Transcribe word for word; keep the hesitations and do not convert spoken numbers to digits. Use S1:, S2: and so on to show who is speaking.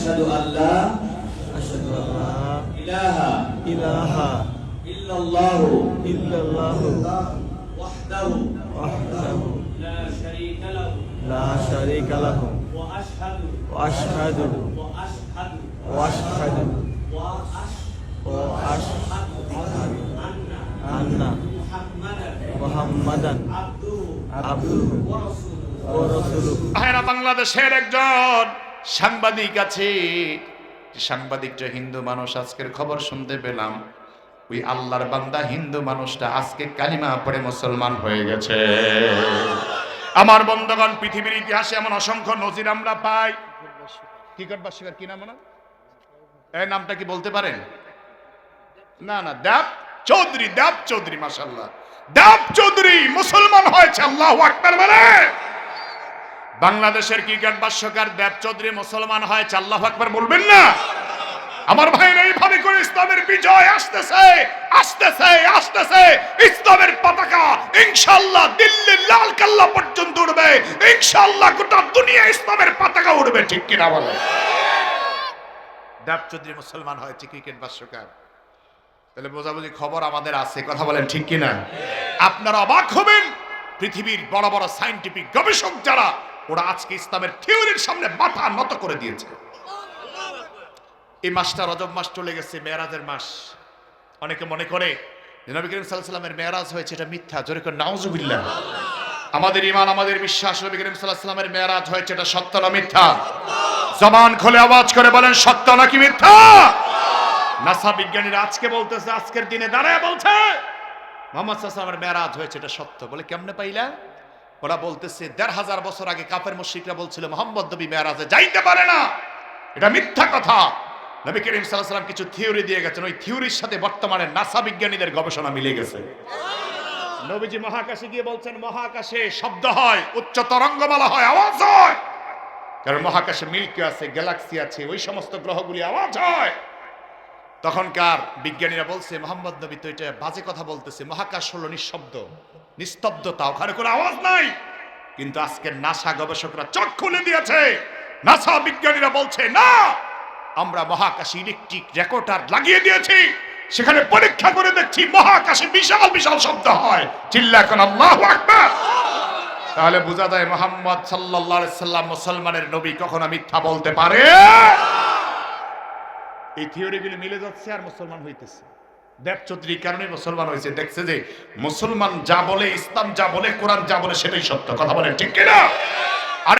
S1: আশহাদু আল্লা
S2: আশহাদু আল্লা
S1: ইলাহা
S2: ইলাহা
S1: ইল্লাল্লাহু
S2: ইল্লাল্লাহু
S1: ওয়াহদাহু
S2: ওয়াহদাহু
S1: লা শারীকা লাহু
S2: লা শারীকা লাহু
S1: ওয়া আশহাদু
S2: ওয়া আশহাদু
S1: ওয়া আশহাদু
S2: ওয়া আশহাদু
S1: ওয়া
S2: ওয়া আশহাদু
S1: আন্না
S2: আন্না
S1: মুহাম্মাদান
S2: মুহাম্মাদান
S1: আবদুহু
S2: আবদুহু
S1: ওয়া রাসূলুহু
S2: ওয়া রাসূলুহু।
S3: ভাইরা, বাংলাদেশের একজন সাংবাদিক আছে, সাংবাদিকটা হিন্দু মানুষ। আজকের খবর শুনতে পেলাম ওই আল্লাহর বান্দা হিন্দু মানুষটা আজকে কালিমা পড়ে মুসলমান হয়ে গেছে। আমার বন্ধুগণ, পৃথিবীর ইতিহাসে এমন অসংখ্য নজির আমরা পাই। কি করবা শিকার কি নাম না, এই নামটা কি বলতে পারেন? না না, দেব চৌধুরী, দেব চৌধুরী, মাশাআল্লাহ, দেব চৌধুরী মুসলমান হয়েছে। আল্লাহু আকবার বলে। বাংলাদেশের ক্রিকেট ভাষ্যকার দেব চৌধুরী মুসলমান হয়েছে। আল্লাহু আকবার বলবেন না? আমার ভাইরা, এইভাবে করে ইসলামের বিজয় আসতেছে আসতেছে আসতেছে। ইসলামের পতাকা ইনশাআল্লাহ দিল্লির লাল কেল্লা পর্যন্ত উড়বে। ইনশাআল্লাহ গোটা দুনিয়া ইসলামের পতাকা উড়বে। ঠিক কিনা বলে? দেব চৌধুরী মুসলমান হয়েছে ক্রিকেট ভাষ্যকার। তাহলে বোঝাবুঝি খবর আমাদের আছে। কথা বলেন ঠিক কিনা? আপনারা অবাক হবেন, পৃথিবীর বড় বড় সায়েন্টিফিক গবেষক যারা, ওরা আজকে ইসলামের থিওরির সামনে মাথা নত করে দিয়েছে। এই মাসটা রজব মাস চলে গেছে, মেরাজের মাস। অনেকে মনে করে যে নবী করিম সাল্লাল্লাহু আলাইহি ওয়াসাল্লামের মেরাজ হয়েছে, এটা মিথ্যা। জোরে করে নাউজুবিল্লাহ। আমাদের ঈমান, আমাদের বিশ্বাস, নবী করিম সাল্লাল্লাহু আলাইহি ওয়াসাল্লামের মেরাজ হয়েছে, এটা সত্য না মিথ্যা? জবান খুলে আওয়াজ করে বলেন, সত্য নাকি মিথ্যা? নাসা বিজ্ঞানীরা আজকে বলতেছে, আজকের দিনে দাঁড়ায় বলছে মুহাম্মদ সাল্লাল্লাহু আলাইহি ওয়াসাল্লামের মেরাজ হয়েছে, এটা সত্য। বলে কেমনে পাইলা? ওরা বলতেছে দেড় হাজার বছর আগে কাফের মুশরিকরা বলছিল মুহাম্মদ নবী মেরাজে যাইতে পারে না, এটা মিথ্যা কথা। নবী করিম সাল্লাল্লাহু আলাইহি ওয়াসাল্লাম কিছু থিওরি দিয়ে গেছেন, ওই থিওরির সাথে বর্তমানে নাসা বিজ্ঞানীদের গবেষণা মিলে গেছে। নবীজি মহাকাশে গিয়ে বলছেন মহাকাশে শব্দ হয়, উচ্চ তরঙ্গমালা হয়, আওয়াজ হয়। কারণ মহাকাশে মিল্কি আছে, গ্যালাক্সি আছে, ওই সমস্ত গ্রহগুলি আওয়াজ হয়। তখনকার বিজ্ঞানীরা বলছে মোহাম্মদ নবী তো এটা বাজে কথা বলতেছে, মহাকাশ হলো নিঃশব্দ, নিস্তব্ধতা, ওখানে কোনো আওয়াজ নাই। কিন্তু আজকে নাসা গবেষকরা চোখ খুলে দিয়েছে। নাসা বিজ্ঞানীরা বলছে না, আমরা মহাকাশে ইলেকট্রিক রেকর্ডার লাগিয়ে দিয়েছি, সেখানে পরীক্ষা করে দেখছি মহাকাশে বিশাল বিশাল শব্দ হয়। চিল্লা এখন আল্লাহু আকবার। তাহলে বোঝা যায় মুহাম্মদ সাল্লাল্লাহু আলাইহি সাল্লাম মুসলমানের নবী কখনো মিথ্যা বলতে পারে? এই থিওরিগুলি মিলে যাচ্ছে আর মুসলমান হইতেছে। দেব চৌধুরীর কারণে মুসলমান হয়েছে। দেখছে যে মুসলমান যা বলে, ইসলাম যা বলে, কোরআন যা বলে সেটাই সত্য। কথা বলে ঠিক কিনা?